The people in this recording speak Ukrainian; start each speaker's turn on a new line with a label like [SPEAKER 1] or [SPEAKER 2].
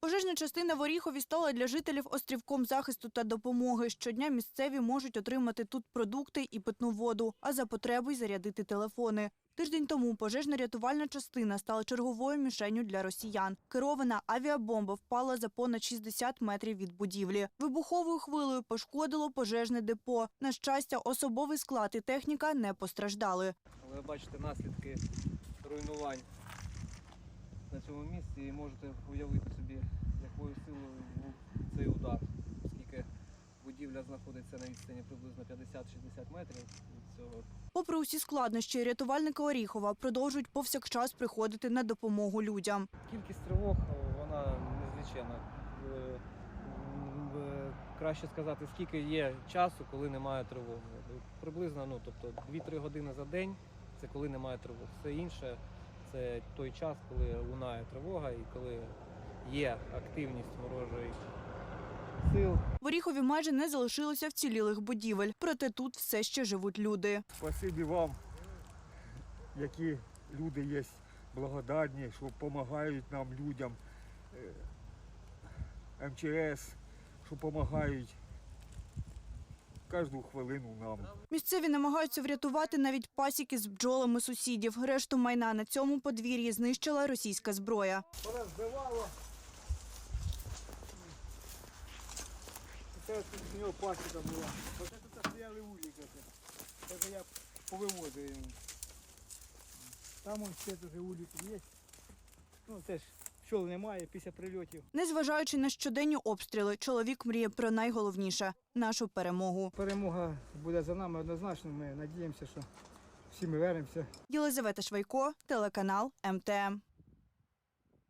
[SPEAKER 1] Пожежна частина в Оріхові стала для жителів острівком захисту та допомоги. Щодня місцеві можуть отримати тут продукти і питну воду, а за потреби й зарядити телефони. Тиждень тому пожежно-рятувальна частина стала черговою мішенню для росіян. Керована авіабомба впала за понад 60 метрів від будівлі. Вибуховою хвилею пошкодило пожежне депо. На щастя, особовий склад і техніка не постраждали.
[SPEAKER 2] Ви бачите наслідки руйнувань на цьому місці і можете уявити собі, якою силою був цей удар, оскільки будівля знаходиться на відстані приблизно 50-60 метрів від цього.
[SPEAKER 1] Попри усі складнощі, рятувальники Оріхова продовжують повсякчас приходити на допомогу людям.
[SPEAKER 2] Кількість тривог, вона незліченна. Краще сказати, скільки є часу, коли немає тривоги. Приблизно, тобто 2-3 години за день – це коли немає тривог. Все інше – це той час, коли лунає тривога і коли є активність ворожої сил.
[SPEAKER 1] В Оріхові майже не залишилося вцілілих будівель, проте тут все ще живуть люди.
[SPEAKER 3] Спасибі вам, які люди є благодарні, що допомагають нам, людям, МЧС, що допомагають кожну хвилину нам.
[SPEAKER 1] Місцеві намагаються врятувати навіть пасіки з бджолами сусідів. Решту майна на цьому подвір'ї знищила російська зброя.
[SPEAKER 3] Порозбивало. Це тут з нього пасіка була. Оце тут стояли уліки. Це я повивозив йому. Там он ще дуже уліки є. Ну теж пчол немає після прильотів.
[SPEAKER 1] Незважаючи на щоденні обстріли, чоловік мріє про найголовніше – нашу перемогу.
[SPEAKER 4] Перемога буде за нами однозначно. Ми сподіваємося, що всі ми вернемося.
[SPEAKER 1] Єлизавета Швайко, телеканал МТМ.